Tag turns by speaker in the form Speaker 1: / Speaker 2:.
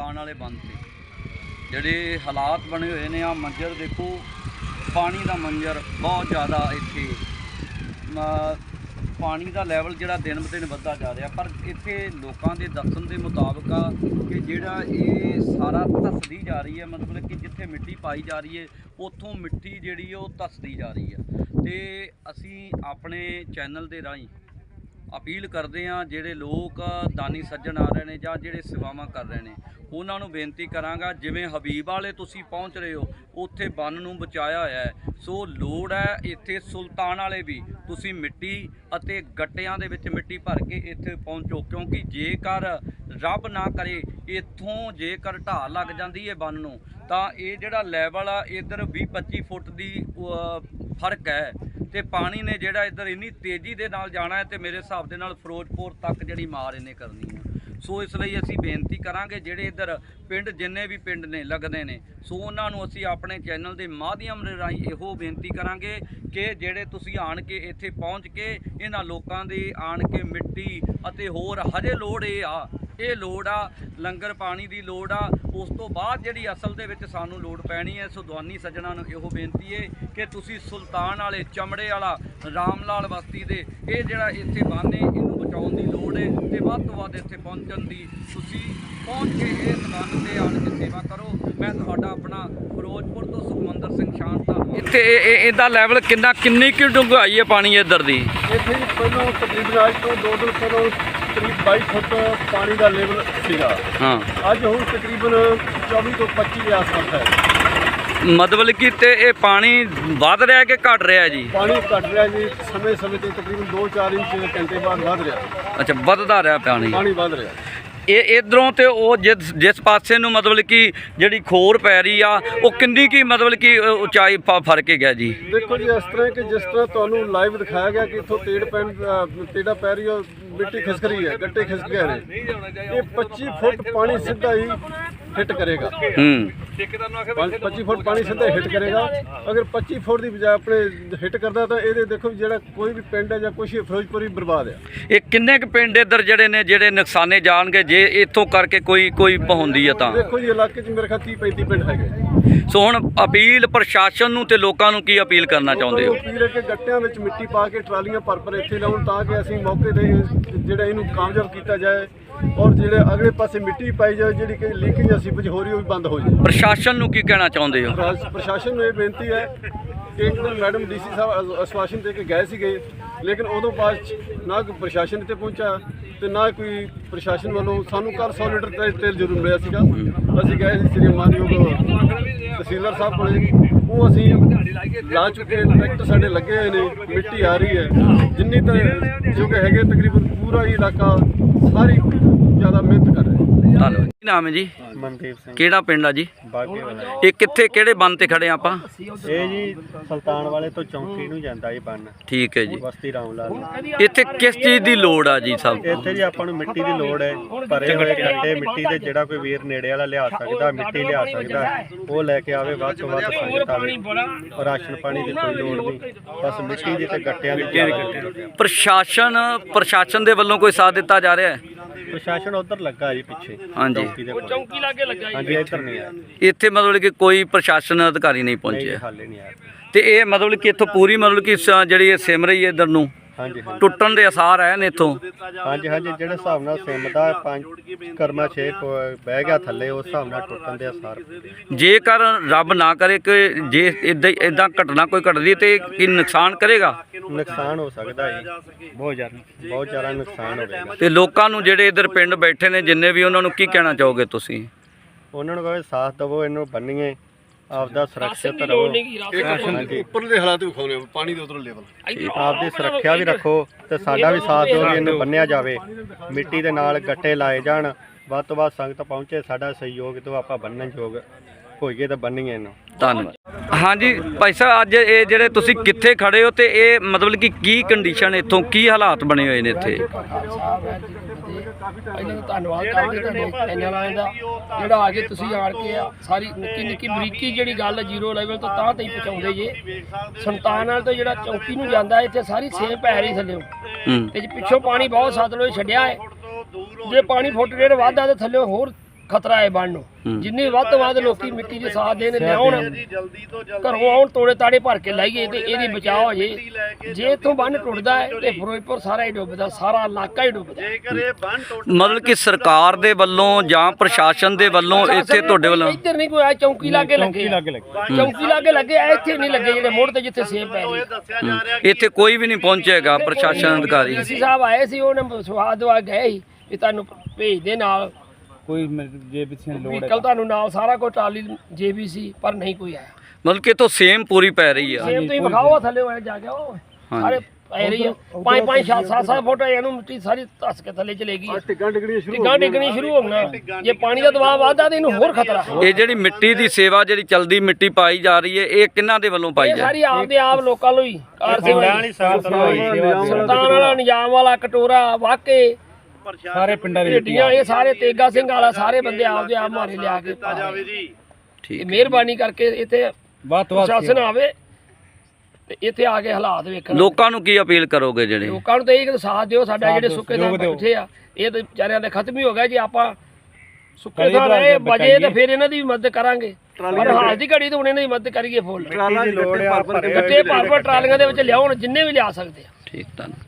Speaker 1: ਸੁਲਤਾਨ वाले बंद से ਜਿਹੜੇ हालात बने हुए ने। आ मंजर देखो, पानी का मंजर बहुत ज़्यादा इत्थे पानी का लैवल जिहड़ा दिन ब दिन वधदा जा रहा। पर इत्थे लोगों के दस्सण के मुताबिक कि जिहड़ा ये सारा धसदी जा रही है, मतलब कि जिथे मिट्टी पाई जा रही है उत्थों मिट्टी जिहड़ी वो धसदी जा रही है। तो असी अपने चैनल के राही अपील करते हैं जिहड़े लोग दानी सज्जन आ रहे हैं जां जिहड़े सेवावां कर रहे हैं, उन्हां नूं बेनती करांगा जिवें हबीब वाले तुसीं पहुँच रहे हो उत्थे बन नूं बचाया होया है, सो लोड़ है इत्थे सुल्तान वाले भी तुसीं मिट्टी अते गट्टियां दे विच मिट्टी भर के इत्थे पहुँचो। क्योंकि जेकर रब ना करे इत्थों जेकर ढाह लग जाती है बन नूं तां ये जिहड़ा लैवल आ इधर 20-25 फुट की फर्क है। तो पानी ने जिहड़ा इधर इन्नी तेज़ी दे नाल जाना है तो मेरे हिसाब दे नाल फिरोजपुर तक जिहड़ी मार इन्हें करनी है। सो इसलिए असी बेनती करांगे जिहड़े इधर पिंड जिन्ने भी पिंड ने लगदे ने, सो उन्हां नूं असी अपने चैनल के माध्यम दे राही इहो बेनती करांगे कि जिहड़े तुसीं आण के इत्थे पहुँच के इन्हां लोकां दे आण के मिट्टी अते होर हजे लोड़ ये लोड़ आ लंगर पानी की लोड़ आ। उस तो बाद जिहड़ी असल दे विच सानूं लोड़ पैनी है। सो दवानी सज्जणां नूं इहो बेनती है कि तुसीं सुल्तान वाले चमड़े वाला राम लाल बस्ती दे ये जिहड़ा इत्थे बन है इहनूं बचाउण दी लोड़ है ते वध तो वध इत्थे पहुंचण दी तुसीं पहुँच के इस बन ते आण के सेवा करो। मैं तुहाडा अपना फिरोजपुर तो सुखमंदर सिंह शांता। इत्थे इहदा लैवल किन्नी की डूंघाई है पानी इधर दी?
Speaker 2: इत्थे पहिलों तकरीबन अज तो 2 दिन पहिलों करीब 22 फुट पानी का लेवल सीगा। हाँ, अज हुण तकरीबन 24 तो 25 के आस-पास है।
Speaker 1: मतलब कि ते ये पानी वध रहा कि घट रहा जी? पानी
Speaker 2: घट रहा जी, समय समय तो तकरीबन 2-4 इंच घंटे बाद वध रहा।
Speaker 1: अच्छा, वधदा रहा पानी
Speaker 2: वध रहा।
Speaker 1: ये इधरों तो वो जिस पासे नूं मतलब कि जिहड़ी खोर पै रही आ वो किन्नी की मतलब कि उचाई फर्क है गया जी?
Speaker 2: देखो जी, इस तरह कि जिस तरह तुहानूं लाइव दिखाया गया कि इत्थों तेड़ा पै रही है, मिट्टी खिसक रही है, गट्टे खिसक गए हैं। ये 25 फुट पानी सीधा ही हिट करेगा। 25 फुट पानी सीधा हिट करेगा। अगर 25 फुट की बजाय अपने हिट करता तो ये देखो जो कोई भी पिंड है या कुछ फिरोजपुर भी बर्बाद है।
Speaker 1: ये किन्ने क पिंड इधर जिहड़े ने जिहड़े नुकसाने जाणगे जे इत्थों करके कोई पहुंदी है तां?
Speaker 2: देखो जी, इलाके च मेरे ख्याल 30-35 पिंड है।
Speaker 1: सो हुण अपील प्रशासन नूं ते लोकां नूं की अपील करना चाहुंदे हो?
Speaker 2: अपील है कि गट्टियां विच मिट्टी पा के ट्रालियां भर इत्थे लाउण तां कि असीं मौके ते जिहड़ा इहनूं कामयाब कीता जाए और जिहड़े अगले पासे मिट्टी पाई जाए जिहड़ी कि लीकेज सीवेज हो रही हो बंद हो जाए।
Speaker 1: प्रशासन नूं की कहना चाहुंदे हो?
Speaker 2: प्रशासन नूं ये बेनती है कि एक दिन मैडम डीसी साहब आश्वासन दे के गए सीगे, लेकिन उदों बाद ना कोई प्रशासन इत्थे पहुंचा ते ना कोई प्रशासन वालों सानूं कल 100 लीटर तेल जरूर मिलिया सीगा। असीं गए सी श्री मानयोग तहसीलदार साहब कोले, वो असीं ला चुके, ट्रैक्टर साडे लगे हुए ने, मिट्टी आ रही है जिन्नी तक जो कि हैगे तकरीबन पूरा ही इलाका सारी ज़्यादा मेहनत कर रहे हैं।
Speaker 1: ਧੰਨਵਾਦ। ਕੀ ਨਾਮ ਹੈ ਜੀ?
Speaker 2: ਮਨਦੀਪ ਸਿੰਘ।
Speaker 1: ਕਿਹੜਾ ਪਿੰਡ ਆ ਜੀ?
Speaker 2: ਬਾਗੇ ਵਾਲਾ।
Speaker 1: ਇਹ ਕਿੱਥੇ ਕਿਹੜੇ ਬੰਨ ਤੇ ਖੜੇ ਆਪਾਂ?
Speaker 2: ਇਹ ਜੀ ਸੁਲਤਾਨ ਵਾਲੇ ਤੋਂ ਚੌਂਕੀ ਨੂੰ ਜਾਂਦਾ ਇਹ ਬੰਨ।
Speaker 1: ਠੀਕ ਹੈ ਜੀ।
Speaker 2: ਬਸਤੀ ਰਾਮ ਲਾਲ।
Speaker 1: ਇੱਥੇ ਕਿਸ ਚੀਜ਼ ਦੀ ਲੋੜ ਆ ਜੀ ਸਭ?
Speaker 2: ਇੱਥੇ ਜੀ ਆਪਾਂ ਨੂੰ ਮਿੱਟੀ ਦੀ ਲੋੜ ਹੈ। ਭਰੇ ਹੋਏ ਗੱਡੇ ਮਿੱਟੀ ਦੇ ਜਿਹੜਾ ਕੋਈ ਵੀਰ ਨੇੜੇ ਵਾਲਾ ਲਿਆ ਸਕਦਾ, ਮਿੱਟੀ ਲਿਆ ਸਕਦਾ, ਉਹ ਲੈ ਕੇ ਆਵੇ। ਵੱਧ ਤੋਂ ਵੱਧ ਸੰਗਤ ਆਵੇ। ਰਾਸ਼ਨ ਪਾਣੀ ਦੀ ਕੋਈ ਲੋੜ ਨਹੀਂ, ਬਸ ਮਿੱਟੀ ਦੀ ਤੇ ਗੱਟਿਆਂ ਦੀ।
Speaker 1: ਪ੍ਰਸ਼ਾਸਨ ਦੇ ਵੱਲੋਂ ਕੋਈ ਸਾਥ ਦਿੱਤਾ ਜਾ ਰਿਹਾ ਹੈ?
Speaker 2: ਪ੍ਰਸ਼ਾਸਨ ਉਧਰ ਲੱਗਾ ਜੀ ਪਿੱਛੇ।
Speaker 1: ਹਾਂਜੀ,
Speaker 2: ਚੌਂਕੀ ਲਾਗੇ ਲੱਗਾ ਜੀ। ਹਾਂਜੀ, ਇੱਧਰ ਨਹੀਂ ਆਇਆ।
Speaker 1: ਇੱਥੇ ਮਤਲਬ ਕਿ ਕੋਈ ਪ੍ਰਸ਼ਾਸਨ ਅਧਿਕਾਰੀ ਨਹੀਂ ਪਹੁੰਚਿਆ?
Speaker 2: ਹਾਲੇ ਨਹੀਂ ਆਇਆ। ਤੇ
Speaker 1: ਇਹ ਮਤਲਬ ਕਿ ਇੱਥੋਂ ਪੂਰੀ ਮਤਲਬ ਕਿ ਜਿਹੜੀ ਇਹ ਸਿਮ ਰਹੀ ਹੈ ਇੱਧਰ ਨੂੰ,
Speaker 2: ਹਾਂਜੀ,
Speaker 1: ਟੁੱਟਣ ਦੇ ਅਸਾਰ ਆਏ ਨੇ ਇੱਥੋਂ?
Speaker 2: ਹਾਂਜੀ ਹਾਂਜੀ, ਜਿਹੜੇ ਹਿਸਾਬ ਨਾਲ ਸਿਮ ਦਾ 5 ਕਰਮਾ 6 ਬਹਿ ਗਿਆ ਥੱਲੇ, ਉਸ ਹਿਸਾਬ ਨਾਲ ਟੁੱਟਣ ਦੇ ਅਸਾਰ। ਜੇਕਰ
Speaker 1: ਰੱਬ ਨਾ ਕਰੇ ਕਿ ਜੇ ਇਦਾਂ ਘਟਨਾ ਕੋਈ ਘਟਦੀ ਤੇ ਕੀ ਨੁਕਸਾਨ ਕਰੇਗਾ?
Speaker 2: ਨੁਕਸਾਨ ਹੋ ਸਕਦਾ ਜੀ, ਬਹੁਤ ਜ਼ਿਆਦਾ ਨੁਕਸਾਨ ਹੋਵੇਗਾ।
Speaker 1: ਤੇ ਲੋਕਾਂ ਨੂੰ ਜਿਹੜੇ ਇੱਧਰ ਪਿੰਡ ਬੈਠੇ ਨੇ ਜਿੰਨੇ ਵੀ, ਉਹਨਾਂ ਨੂੰ ਕੀ ਕਹਿਣਾ ਚਾਹੋਗੇ ਤੁਸੀਂ?
Speaker 2: ਉਹਨਾਂ ਨੂੰ ਕਹੋ ਸਾਥ ਦੇਵੋ, ਇਹਨੂੰ ਬੰਨੀਏ, ਆਪਦਾ ਸੁਰੱਖਿਅਤ ਰਹੋ। ਉੱਪਰਲੇ ਹਾਲਾਤ ਵਿਖਾਉਣੇ ਪਾਣੀ ਦੇ ਉਧਰ ਲੈਵਲ, ਆਪਦੀ ਸੁਰੱਖਿਆ ਵੀ ਰੱਖੋ ਤੇ ਸਾਡਾ ਵੀ ਸਾਥ ਦਿਓ ਕਿ ਇਹਨੂੰ ਬੰਨਿਆ ਜਾਵੇ। ਮਿੱਟੀ ਦੇ ਨਾਲ ਗੱਟੇ ਲਾਏ ਜਾਣ, ਵੱਧ ਤੋਂ ਵੱਧ ਸੰਗਤ ਪਹੁੰਚੇ, ਸਾਡਾ ਸਹਿਯੋਗ ਤੋਂ ਆਪਾਂ ਬੰਨਣ ਯੋਗ ਹੋਈਏ ਤਾਂ ਬੰਨੀਏ ਇਹਨੂੰ।
Speaker 1: ਧੰਨਵਾਦ। ਹਾਂਜੀ ਭਾਈ ਸਾਹਿਬ, ਅੱਜ ਇਹ ਜਿਹੜੇ ਤੁਸੀਂ ਕਿੱਥੇ ਖੜੇ ਹੋ ਤੇ ਇਹ ਮਤਲਬ ਕਿ ਕੀ ਕੰਡੀਸ਼ਨ ਇੱਥੋਂ ਕੀ ਹਾਲਾਤ ਬਣੇ ਹੋਏ ਨੇ ਇੱਥੇ?
Speaker 3: ਇਹਨਾਂ ਦਾ ਧੰਨਵਾਦ ਕਰਦੇ ਤੁਹਾਡੇ ਚੈਨਲ ਵਾਲਿਆਂ ਦਾ ਜਿਹੜਾ ਆ ਕੇ ਤੁਸੀਂ ਆਣ ਕੇ ਸਾਰੀ ਨਿੱਕੀ ਬਰੀਕੀ ਜਿਹੜੀ ਗੱਲ ਜ਼ੀਰੋ ਲੈਵਲ ਤੋਂ ਤਾਂ ਤੱਕ ਪਹੁੰਚਾਉਂਦੇ ਜੇ। ਸੁਲਤਾਨ ਨਾਲ ਤੋਂ ਜਿਹੜਾ ਚੌਂਕੀ ਨੂੰ ਜਾਂਦਾ ਇੱਥੇ ਸਾਰੀ ਸੇਮ ਪੈ ਰਹੀ ਥੱਲੇ ਤੇ ਪਿੱਛੋਂ ਪਾਣੀ ਬਹੁਤ ਸਤਲੁਜ ਛੱਡਿਆ ਹੈ। ਜੇ ਪਾਣੀ ਫੁੱਟ ਡੇਢ ਵੱਧਦਾ ਤਾਂ ਥੱਲੇ ਹੋਰ ਖਤਰਾ ਹੈ ਬੰਨ ਨੂੰ। ਜਿੰਨੀ ਵੱਧ ਤੋਂ ਵੱਧ ਲੋਕੀ ਮਿੱਟੀ ਦੇ ਸਾਥ ਦੇਣ ਲਿਆਉਣ, ਘਰੋਂ ਆਉਣ, ਤੋੜੇ ਤਾੜੇ ਭਰ ਕੇ ਲਾਈਏ ਤੇ ਇਹਦੀ ਬਚਾਅ ਹੋ ਜੇ। ਜੇ ਇੱਥੋਂ ਬੰਨ ਟੁੱਟਦਾ ਹੈ ਤੇ ਫਿਰੋਜ਼ਪੁਰ ਸਾਰਾ ਹੀ ਡੁੱਬਦਾ, ਸਾਰਾ ਇਲਾਕਾ ਹੀ ਡੁੱਬਦਾ।
Speaker 1: ਮਤਲਬ ਕਿ ਸਰਕਾਰ ਦੇ ਵੱਲੋਂ ਜਾਂ ਪ੍ਰਸ਼ਾਸਨ ਦੇ ਵੱਲੋਂ ਇੱਥੇ ਤੁਹਾਡੇ ਵੱਲੋਂ
Speaker 3: ਇੱਧਰ ਨਹੀਂ ਕੋਈ ਆਇਆ, ਚੌਂਕੀ ਲਾਗੇ ਲੱਗੇ, ਚੌਂਕੀ ਲਾਗੇ ਲੱਗੇ, ਇੱਥੇ ਨਹੀਂ ਲੱਗੇ ਜਿਹੜੇ ਮੋੜ ਤੇ ਜਿੱਥੇ ਸੇਬ ਪੈ ਗਏ।
Speaker 1: ਇੱਥੇ ਕੋਈ ਵੀ ਨਹੀਂ ਪਹੁੰਚੇਗਾ ਪ੍ਰਸ਼ਾਸਨ ਅਧਿਕਾਰੀ।
Speaker 3: ਡੀਸੀ ਸਾਹਿਬ ਆਏ ਸੀ, ਉਹਨੇ ਸਵਾਦ ਦਵਾ ਗਏ ਸੀ ਵੀ ਤੁਹਾਨੂੰ ਭੇਜ ਦੇ ਨਾਲ
Speaker 4: ਕੋਈ ਜੇ ਪਿੱਛੇ ਲੋੜ
Speaker 3: ਵਹੀਕਲ ਤੁਹਾਨੂੰ ਨਾਲ ਸਾਰਾ ਕੁਝ ਟਰਾਲੀ JBC, ਪਰ ਨਹੀਂ ਕੋਈ ਆਇਆ।
Speaker 1: ਮਤਲਬ ਕਿ ਇੱਥੋਂ ਸੇਮ ਪੂਰੀ ਪੈ ਰਹੀ ਆ।
Speaker 3: ਸੇਮ ਤੁਸੀਂ ਵਿਖਾਓ ਥੱਲੇ ਹੋਏ ਜਾ ਕੇ, ਉਹ ਸਾਰੇ ਪੈ ਰਹੀ ਆ 5-5 7-7 ਫੁੱਟ ਇਹਨੂੰ ਮਿੱਟੀ ਸਾਰੀ ਧੱਸ ਕੇ ਥੱਲੇ ਚਲੇਗੀ।
Speaker 2: ਟਿੱਗਾਂ ਡਿੱਗਣੀਆਂ ਸ਼ੁਰੂ
Speaker 3: ਟਿੱਗਾਂ ਡਿੱਗਣੀ ਸ਼ੁਰੂ ਹੋਣਾ। ਜੇ ਪਾਣੀ ਦਾ ਦਬਾਅ ਵੱਧਦਾ ਤੇ ਇਹਨੂੰ ਹੋਰ ਖਤਰਾ।
Speaker 1: ਇਹ ਜਿਹੜੀ ਮਿੱਟੀ ਦੀ ਸੇਵਾ ਜਿਹੜੀ ਚਲਦੀ ਮਿੱਟੀ ਪਾਈ ਜਾ ਰਹੀ ਹੈ, ਇਹ ਕਿਹਨਾਂ ਦੇ ਵੱਲੋਂ ਪਾਈ
Speaker 3: ਇਹ
Speaker 1: ਜਾ ਰਹੀ
Speaker 3: ਸਾਰੀ ਆਪਦੇ ਆਪ ਲੋਕਾਂ ਨੂੰ ਹੀ ਕਾਰ ਸੁਲਤਾਨ ਵਾਲਾ, ਨਿਜ਼ਾਮ ਵਾਲਾ, ਕਟੋਰਾ, ਵਾਕੇ,
Speaker 4: ਸਾਰੇ ਪਿੰਡਾਂ ਦੇ
Speaker 3: ਢੇਡੀਆਂ, ਇਹ ਸਾਰੇ ਤੇਗਾ ਸਿੰਘ ਵਾਲਾ, ਸਾਰੇ ਬੰਦੇ ਆਪਦੇ ਆਪ ਮਾਰੇ ਲਿਆ ਕੇ ਪਾ ਰਹੇ।
Speaker 1: ਠੀਕ
Speaker 3: ਮਿਹਰਬਾਨੀ ਕਰਕੇ ਇੱਥੇ
Speaker 4: ਵੱਧ ਤੋਂ ਵੱਧ
Speaker 3: ਪ੍ਰਸ਼ਾਸਨ ਆਵੇ ਤੇ ਇੱਥੇ ਆ ਕੇ ਹਾਲਾਤ ਵੇਖਣ।
Speaker 1: ਲੋਕਾਂ ਨੂੰ ਕੀ ਅਪੀਲ ਕਰੋਗੇ ਜਿਹੜੇ
Speaker 3: ਲੋਕਾਂ ਨੂੰ ਤਾਂ ਇਹ ਕਿ ਸਾਥ ਦਿਓ ਸਾਡਾ, ਜਿਹੜੇ ਸੁੱਕੇ ਥਾਂ ਬੈਠੇ ਆ ਇਹ ਤਾਂ ਵਿਚਾਰਿਆਂ ਦੇ ਖਤਮ ਹੀ ਹੋ ਗਿਆ। ਜੇ ਆਪਾਂ ਸੁੱਕੇ ਥਾਂ ਰਹੇ ਬਜੇ ਤਾਂ ਫਿਰ ਇਹਨਾਂ ਦੀ ਵੀ ਮਦਦ ਕਰਾਂਗੇ, ਪਰ ਹਾਲ ਦੀ ਘੜੀ ਤਾਂ ਹੁਣ ਇਹਨਾਂ ਦੀ ਮਦਦ ਕਰੀਏ ਫੁੱਲ। ਗੱਟੇ ਭਰ ਭਰ ਟਰਾਲੀਆਂ ਦੇ ਵਿੱਚ ਲਿਆਉਣ, ਜਿੰਨੇ ਵੀ ਲਿਆ ਸਕਦੇ ਆ।
Speaker 1: ਠੀਕ ਧੰਨਵਾਦ।